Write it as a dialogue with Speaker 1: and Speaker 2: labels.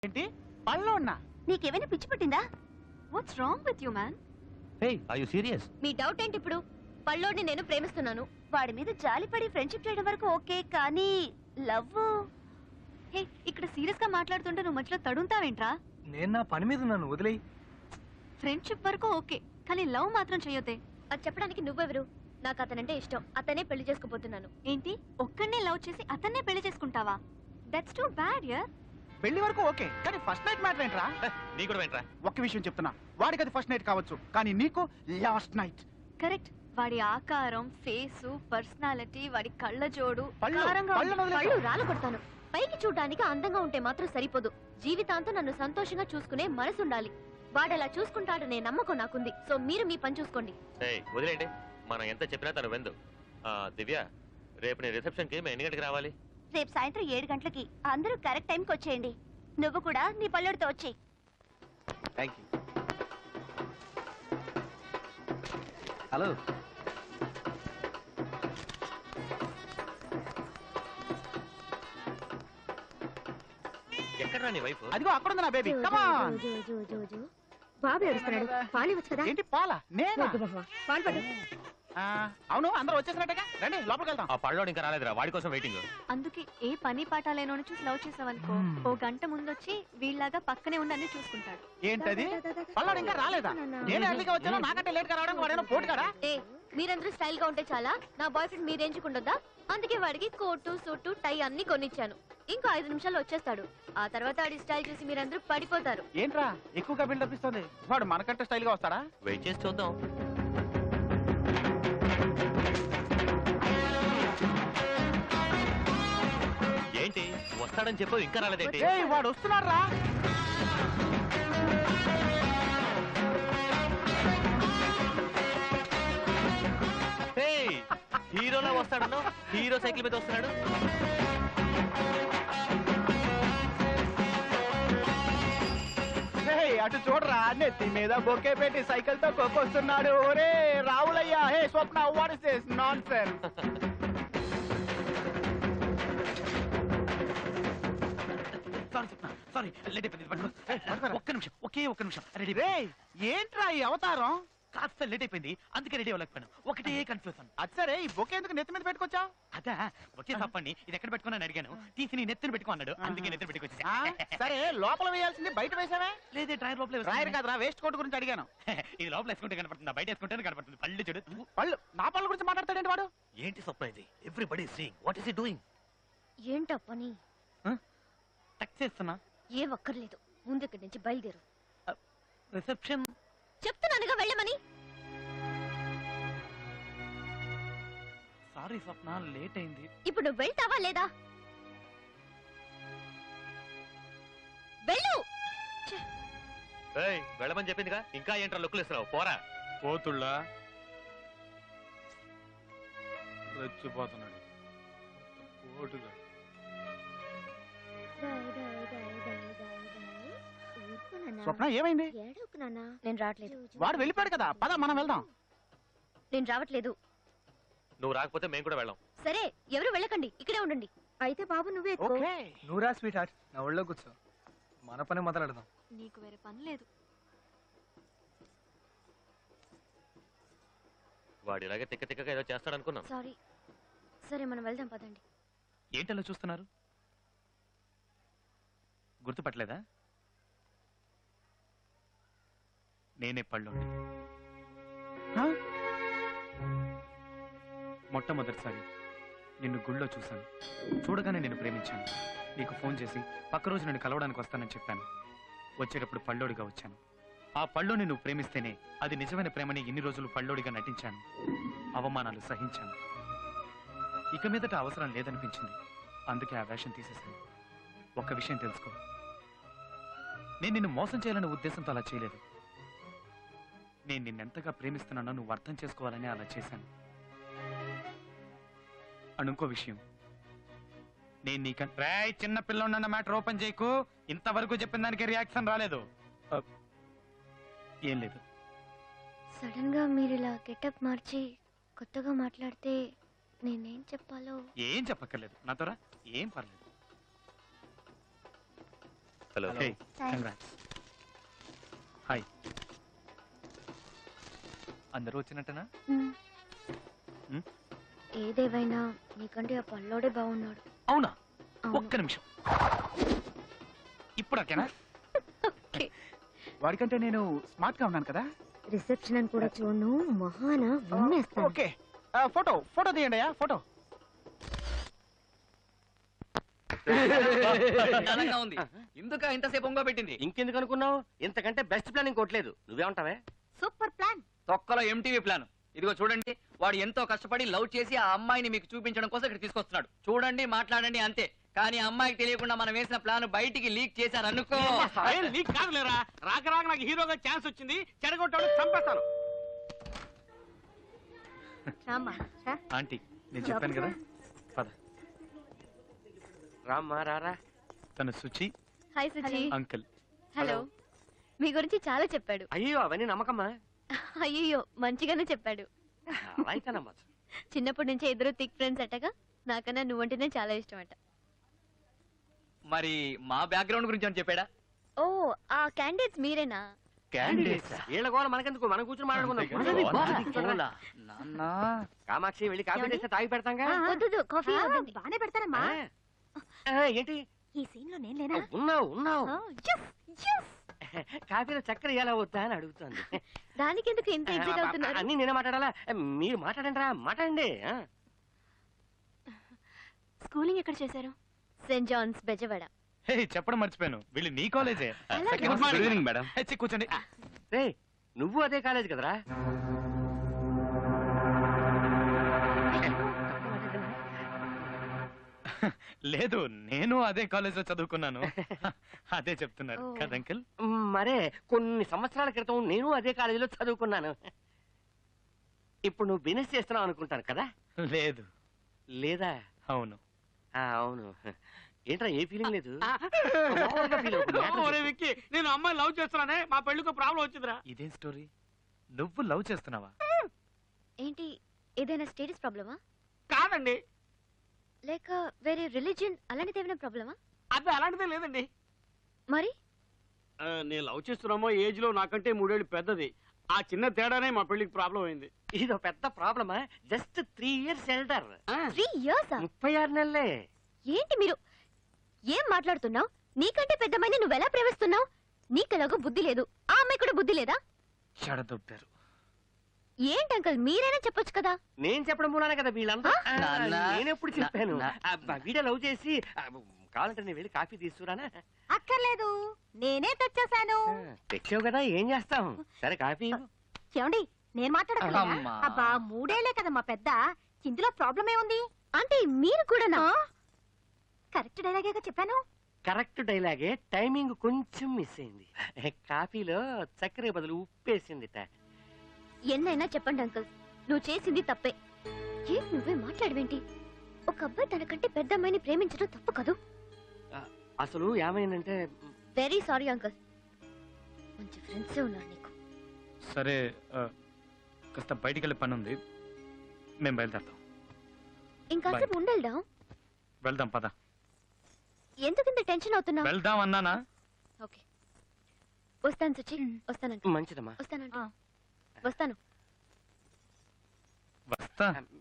Speaker 1: ఏంటి పళ్ళో ఉన్నా?
Speaker 2: నీకేమైనా పిచ్చి పట్టిందా? What's wrong with you man?
Speaker 3: Hey, are you serious?
Speaker 2: మీ డౌట్ ఏంటి ఇప్పుడు? పళ్ళోడిని నేను ప్రేమిస్తున్నాను. వాడి మీద జాలిపడి ఫ్రెండ్షిప్ చేయడం వరకు ఓకే, కానీ లవ్. హే, ఇక్కడ సీరియస్ గా మాట్లాడుతుంటే నువ్వు మధ్యలో తడుంతావేంట్రా?
Speaker 1: నేను నా పని మీద ఉన్నాను, వదిలేయి.
Speaker 2: ఫ్రెండ్షిప్ వరకు ఓకే, కానీ లవ్ మాత్రం చేయొద్దే. అది చెప్పడానికి నువ్వెవరు? నాకు అతనంటే ఇష్టం, అతనే పెళ్లి చేసుకోబోతున్నాను. ఏంటి, ఒక్కడనే లవ్ చేసి అతన్నే పెళ్లి చేసుకుంటావా? దట్స్ టూ బ్యాడ్ యార్.
Speaker 1: పెళ్లి వరకు ఓకే, కానీ ఫస్ట్ నైట్ మ్యాటర్ ఏంట్రా?
Speaker 3: నీ కూడా ఏంట్రా?
Speaker 1: ఒక్క విషయం చెప్తున్నా, వాడికి అది ఫస్ట్ నైట్ కావచ్చు, కానీ నీకు లాస్ట్ నైట్.
Speaker 2: కరెక్ట్. వాడి ఆకారం, ఫేసు, పర్సనాలిటీ, వాడి కళ్ళ జోడు,
Speaker 1: పళ్ళు,
Speaker 2: కారంగా
Speaker 1: పళ్ళు
Speaker 2: ఉంది.
Speaker 1: వదిలేయ్.
Speaker 2: పళ్ళు రాళ్ళు కొడతాను. పైకి చూడడానికి అందంగా ఉంటే మాత్రం సరిపోదు, జీవితాంతం నన్ను సంతోషంగా చూసుకునే మనసు ఉండాలి. వాడలా చూసుకుంటాడనే నమ్మకం నాకుంది. సో మీరు మీ పని చూసుకోండి.
Speaker 3: వదిలేండి, మనం ఎంత చెప్పినా తను వెందు. దివ్య, రేపు నీ రిసెప్షన్ కి మేము ఎన్ని గంటలకు రావాలి?
Speaker 2: రేపు సాయంత్రం 7 గంటలకి. అందరూ కరెక్ట్ టైంకి వచ్చేయండి. నువ్వు కూడా నీ పల్లెడితో వచ్చేయి.
Speaker 1: Thank you. హలో,
Speaker 3: ఎక్కడ నీ వైఫ్?
Speaker 1: అదిగో అక్కడ ఉంది నా బేబీ. కమాన్.
Speaker 2: బాబు ఏడుస్తున్నాడు, పాలు ఇవ్వచ్చు కదా.
Speaker 1: ఏంటి పాల? నేనా?
Speaker 2: పాలు పట్టు.
Speaker 1: అవును, అందరూ వచ్చేసినట్టుగా, రండి లోపలికి వెళ్దాం.
Speaker 3: ఆ పళ్ళోడు ఇంకా రాలేదురా, వాడి కోసం వెయిటింగ్.
Speaker 2: అందుకే ఏ పని పాట లేనోని చూసి లవ్ చేసావనుకో, ఓ గంట ముందొచ్చి వీళ్ళలాగా పక్కనే ఉండి అన్ని చూసుకుంటాడు.
Speaker 1: ఏంటది? పల్లాడు ఇంకా రాలేదా? నేను ఎర్లీగా వచ్చాను, నాకంటే లేట్ గా రావడానికి వాడేమో పోటు కదా.
Speaker 2: ఏ, మీరందరూ స్టైల్ గా ఉంటే చాలా, నా బాయ్ ఫ్రెండ్ మీ రేంజ్ ఉండొద్దా? అందుకే వాడికి కోటు, సూటు, టై అన్ని కొనిచ్చాను. ఇంకో 5 నిమిషాల్లో వచ్చేస్తాడు. ఆ తర్వాత వాడి స్టైల్ చూసి మీరందరూ పడిపోతారు.
Speaker 1: ఏంట్రా ఎక్కువగా బిల్డప్ ఇస్తుంది? వాడు మనకంటే స్టైల్ గా వస్తాడా?
Speaker 3: వెయిట్ చేసి చూద్దాం. ఏంటి వస్తాడని చెప్పు, ఇంకా రాలేదేంటి?
Speaker 1: ఏయ్, వాడు వస్తున్నాడు రా.
Speaker 3: హీరోలా వస్తాడను, హీరో సైకిల్ మీద వస్తున్నాడు.
Speaker 1: అటు చూడరా, నెత్తి మీద బొకే పెట్టి సైకిల్ తో కొక్కొస్తున్నాడు. ఒరే Ravulayya, hey Swapna, what is this nonsense?
Speaker 4: ఒక్క నిమిషం, ఒక్క నిమిషం. రెడీ?
Speaker 1: ఏంట్రా ఈ అవతారం?
Speaker 4: కాస్త లేట్ అయిపోయింది, అందుకే రెడీ అవ్వలేకపోయాను. ఒకటే కన్ఫ్యూజన్.
Speaker 1: అది సరే, ఈ బొకే ఎందుకు నెత్తి మీద పెట్టుకొచ్చా?
Speaker 4: అదా, ఒకే తప్పండి. ఇది ఎక్కడ పెట్టుకున్నాను అడిగాను, తీసి నీ నెత్తిని పెట్టుకో అన్నాడు, అందుకే నెత్తిని పెట్టుకొచ్చా.
Speaker 1: సరే, లోపల వేయాల్సింది బయట వేసావే?
Speaker 4: లేదే, డ్రైర్ లోపల
Speaker 1: రాయర్ కాదురా, వేస్ట్ కోట్ గురించి అడిగాను.
Speaker 4: ఇది లోపల వేసుకుంటే కనపడుతుంది, బయట వేసుకుంటే కనపడుతుంది. పళ్ళు చూడు.
Speaker 1: పళ్ళు, నా పళ్ళ గురించి మాట్లాడతాడేంటి వాడు?
Speaker 4: ఏంటి surprise? Everybody seeing. What is he doing?
Speaker 2: ఏంటో పని?
Speaker 4: టక్ చేస్తున్నా.
Speaker 2: ఏ ఒక్కర్లేదు, ముందు ఇక్కడి నుంచి బయలుదేరు.
Speaker 4: రిసెప్షన్
Speaker 2: చెప్తున్నానుగా వెళ్ళమని.
Speaker 4: సారీ స్వప్న, లేట్ అయింది.
Speaker 2: ఇప్పుడు నువ్వు వెళ్తావా లేదా? వెళ్ళు.
Speaker 3: వెళ్ళమని చెప్పిందిగా, ఇంకా ఏంట్రా లుక్కులు ఇస్తున్నావు? పోరా.
Speaker 5: పోతుళ్ళా రెచ్చిపోతున్నాడు పోటుగా.
Speaker 1: స్వప్న, ఏమైంది?
Speaker 2: నేను రావట్లేదు.
Speaker 1: వాడు వెళ్ళిపోయాడు కదా, పద మనం వెళ్దాం.
Speaker 2: నేను రావట్లేదు.
Speaker 3: నువ్వు రాకపోతే మేము కూడా వెళ్ళాం.
Speaker 2: సరే, ఎవరు వెళ్ళకండి, ఇక్కడే ఉండండి. అయితే బాబు నువ్వే ఎత్తుకో.
Speaker 1: ఓకే.
Speaker 5: నువ్వురా స్వీట్ హార్ట్, నా ఒళ్ళో కూర్చో, మన పని మొదలెడదాం.
Speaker 2: నీకు వేరే పని లేదు.
Speaker 3: వాడు ఇలాగే తిక్క తిక్కగా ఏదో చేస్తాడనుకున్నాం.
Speaker 2: సారీ. సరే, మనం వెళ్దాం పదండి.
Speaker 4: ఏంటలా చూస్తున్నారు? గుర్తుపట్టలేదా? నేనే పళ్ళోని. మొట్టమొదటిసారి నిన్ను గుళ్ళో చూశాను. చూడగానే నేను ప్రేమించాను. నీకు ఫోన్ చేసి పక్క రోజు నేను కలవడానికి వస్తానని చెప్పాను. వచ్చేటప్పుడు పళ్ళోడిగా వచ్చాను. ఆ పళ్ళోని నువ్వు ప్రేమిస్తేనే అది నిజమైన ప్రేమని ఇన్ని రోజులు పళ్ళోడిగా నటించాను. అవమానాలు సహించాను. ఇక మీదట అవసరం లేదనిపించింది, అందుకే ఆ వేషం తీసేశాను. ఒక్క విషయం తెలుసుకో, నేను నిన్ను మోసం చేయాలనే ఉద్దేశంతో అలా చేయలేదు. నేను నిన్నెంతగా ప్రేమిస్తున్నానో నువ్వు అర్థం చేసుకోవాలని అలా చేశాను. ఇంకో విషయం, నేను నీకంటే చిన్న పిల్లన్న మ్యాటర్ ఓపెన్ చేయకు. ఇంతవరకు చెప్పిన దానికి రియాక్షన్ రాలేదు. ఏం లేదు.
Speaker 2: సడన్ గా మీరు ఇలా గెటప్ మార్చి కొత్తగా మాట్లాడితే నేనేం చెప్పాలో.
Speaker 4: ఏం చెప్పక్కర్లేదు, నాతోరా, ఏం పర్లేదు.
Speaker 3: Hello
Speaker 4: hey congrats. హాయ్.
Speaker 5: అందరూ వచ్చినట్టనా?
Speaker 4: మ్?
Speaker 2: ఏదేవైనా నీకంటే ఆ పల్లోడే బాగున్నాడు.
Speaker 4: అవునా?
Speaker 2: అవును.
Speaker 4: ఒక్క నిమిషం. ఇప్పుడు ఓకేనా?
Speaker 2: ఓకే.
Speaker 1: వాడికంటే నేను స్మార్ట్ గా ఉన్నాను కదా.
Speaker 2: రిసెప్షన్ అని కూడా చూడను మహాన విన్నేస్తాను.
Speaker 1: ఓకే ఫోటో ఫోటో తీయండి అయ్యా ఫోటో.
Speaker 6: బలంగా ఉంది. ఇందుక ఇంతసేపు ఒంగో పెట్టింది.
Speaker 7: ఇంకెందుకు అనుకున్నావు? ఇంతకంటే బెస్ట్ ప్లాన్ ఇంకోట్లేదు. నువ్వేమంటావే?
Speaker 2: Super plan.
Speaker 6: తొక్కలో ఎంటీవీ ప్లాన్. ఇదిగో చూడండి, వాడు ఎంతో కష్టపడి లవ్ చేసి ఆ అమ్మాయిని మీకు చూపించడం కోసం ఇక్కడ తీసుకొస్తున్నాడు. చూడండి, మాట్లాడండి అంతే. కానీ ఆ అమ్మాయికి తెలియకుండా మనం వేసిన ప్లాన్ బయటికి లీక్ చేశారనుకో.
Speaker 8: నీకు కాదులేరా, రాక రాక నాకు హీరోగా ఛాన్స్ వచ్చింది, చెడగొట్టాడు, చంపేస్తాను.
Speaker 4: ఆంటీ నేను చెప్పాను కదా, పద.
Speaker 7: రామ్మా రారా.
Speaker 4: తను Suchi
Speaker 2: hi Suji.
Speaker 4: Uncle.
Speaker 2: Hello. మీ గురించి చాలా చెప్పాడు.
Speaker 7: అయ్యో అవన్నీ నమ్మకమ్మా.
Speaker 2: అయ్యో మంచిగానే చెప్పాడు.
Speaker 7: అలా అయితే నమ్మచ్చు.
Speaker 2: చిన్నప్పటి నుంచి ఇద్దరు థిక్ ఫ్రెండ్స్ అట్టగా. నాకన్నా నువ్వంటేనే చాలా ఇష్టం అట.
Speaker 6: మరి మా బ్యాక్గ్రౌండ్ గురించి అని చెప్పాడా?
Speaker 2: ఓ ఆ క్యాండిడేట్స్ మీరేనా?
Speaker 7: వీళ్ళ గోల మనకెందుకు, మనం కూర్చొని మాట్లాడుకుందాం.
Speaker 6: నాన్న,
Speaker 7: కామాక్షి వెళ్ళి కాఫీ చేస్తే తాగి పెడతాంగా.
Speaker 2: వద్దు కాఫీ బానే పెడతారమ్మా.
Speaker 7: ఏంటి
Speaker 2: ఈ సీన్ లో నేను లేనా?
Speaker 7: ఉన్నావు ఉన్నావు. కాఫీలో చక్కెర ఎలా వద్దా అని అడుగుతుంది.
Speaker 2: దానికి ఎందుకు ఇంత ఎగ్జైట్ అవుతున్నారు?
Speaker 7: అన్ని నేనే మాట్లాడాలా? మీరు మాట్లాడండి రా, మాట్లాడండి.
Speaker 2: స్కూలింగ్ ఎక్కడ చేశారు? Saint Johne's Bezawada.
Speaker 4: హే చెప్పడం మర్చిపోయాను, వీళ్ళు నీ కాలేజే.
Speaker 2: అలాగే.
Speaker 4: Good evening madam. కూర్చోండి.
Speaker 7: రే నువ్వు అదే కాలేజ్ కదరా?
Speaker 4: లేదు, నేను అదే కాలేజ్ లో చదువుకున్నాను. అదే చెప్తున్నారు
Speaker 2: ఓ.
Speaker 4: కదా అంకుల్?
Speaker 7: మరే కొన్ని సంవత్సరాల క్రితం నేను అదే కాలేజీలో చదువుకున్నాను. ఇప్పుడు నువ్వు బిజినెస్ చేస్తున్నావు అనుకుంటాను కదా?
Speaker 4: లేదు.
Speaker 7: లేదా?
Speaker 4: అవును.
Speaker 7: అవును. ఏంట్రా ఏ ఫీలింగ్ లేదు? మామూలుగా feel అవుతుంది.
Speaker 8: ఒరే విక్కీ, నేను అమ్మాయి లవ్ చేస్తున్నానే, మా పెళ్లికి ప్రాబ్లం వచ్చిందిరా.
Speaker 4: ఇదేం స్టోరీ? నువ్వు లవ్ చేస్తున్నావా?
Speaker 2: ఏంటి ఏదైనా స్టేటస్ ప్రాబ్లమా?
Speaker 8: కాదండి,
Speaker 2: లేక వేరే రిలీజియన్ అలాంటిది ఏమైనా ప్రాబ్లమా?
Speaker 8: అది అలాంటిదే లేదండి.
Speaker 2: మరి
Speaker 8: నేను లవ్ చేస్తున్నామో ఏజ్ లో నాకంటే 3 ఏళ్ళు పెద్దది. ఆ చిన్న తేడానే మా పెళ్లికి ప్రాబ్లం అయింది.
Speaker 7: ఇదో పెద్ద ప్రాబ్లమా? Just 3 years elder.
Speaker 2: 3 years?
Speaker 7: 36 నెలలే.
Speaker 2: ఏంటి మీరు ఏం మాట్లాడుతున్నావు? నీకంటే పెద్దమ్మాయిని నువ్వెలా ప్రేమిస్తున్నావు? నీకెలాగో బుద్ధి లేదు, ఆ అమ్మాయి కూడా బుద్ధి లేదా?
Speaker 4: చెడదొబ్బారు.
Speaker 2: ఏంటి అంకల్ మీరైనా చెప్పొచ్చు కదా.
Speaker 7: నేను చెప్పడం మూలానే కదా వీళ్ళంతా.
Speaker 6: నాన్న.
Speaker 7: నేనెప్పుడు చెప్పాను? వీడియో లవ్ చేసి కావాలంటే నేను వెళ్ళి కాఫీ తీసుకురానా?
Speaker 2: అక్కర్లేదు, నేనే తెచ్చేసాను.
Speaker 7: తెచ్చావు కదా, ఏం చేస్తాం? సరే కాఫీ ఇవ్వు.
Speaker 2: ఏమండి నేను మాట్లాడగలనా?
Speaker 6: అమ్మా.
Speaker 2: అబ్బా 3 ఏళ్లే కదా మా పెద్ద, ఇందులో ప్రాబ్లం ఏముంది? అంటే మీరు కూడానా? కరెక్ట్ డైలాగే చెప్పాను.
Speaker 7: కరెక్ట్ డైలాగే, టైమింగ్ కొంచెం మిస్ అయింది. కాఫీలో చక్కెర బదులు ఉప్పేసిందిట.
Speaker 2: ఎన్నైనా చెప్పండి అంకుల్, నువ్వు చేసింది తప్పే. ఏం నువ్వే మాట్లాడవేంటి? ఒక అబ్బాయి తనకంటే పెద్ద అమ్మాయిని ప్రేమించడం తప్పు కదూ.
Speaker 7: అసలు ఏమైందంటే,
Speaker 2: వెరీ సారీ అంకుల్, మంచి ఫ్రెండ్స్ ఉన్నారు నీకు.
Speaker 4: సరే కాస్త బయటికి వెళ్ళే పని ఉంది, మేము బయలుదేరుతాం.
Speaker 2: ఇంకాసేపు ఉండేద్దాం.
Speaker 4: వెళ్దాం పద.
Speaker 2: ఎందుకింత టెన్షన్ అవుతున్నావు?
Speaker 4: వెళ్దాం అన్నానా?
Speaker 2: ఓకే వస్తాను సుచి, వస్తానంట.
Speaker 7: మంచిదమ్మా.
Speaker 2: వస్తానంట. వస్తాను.
Speaker 4: వస్తా.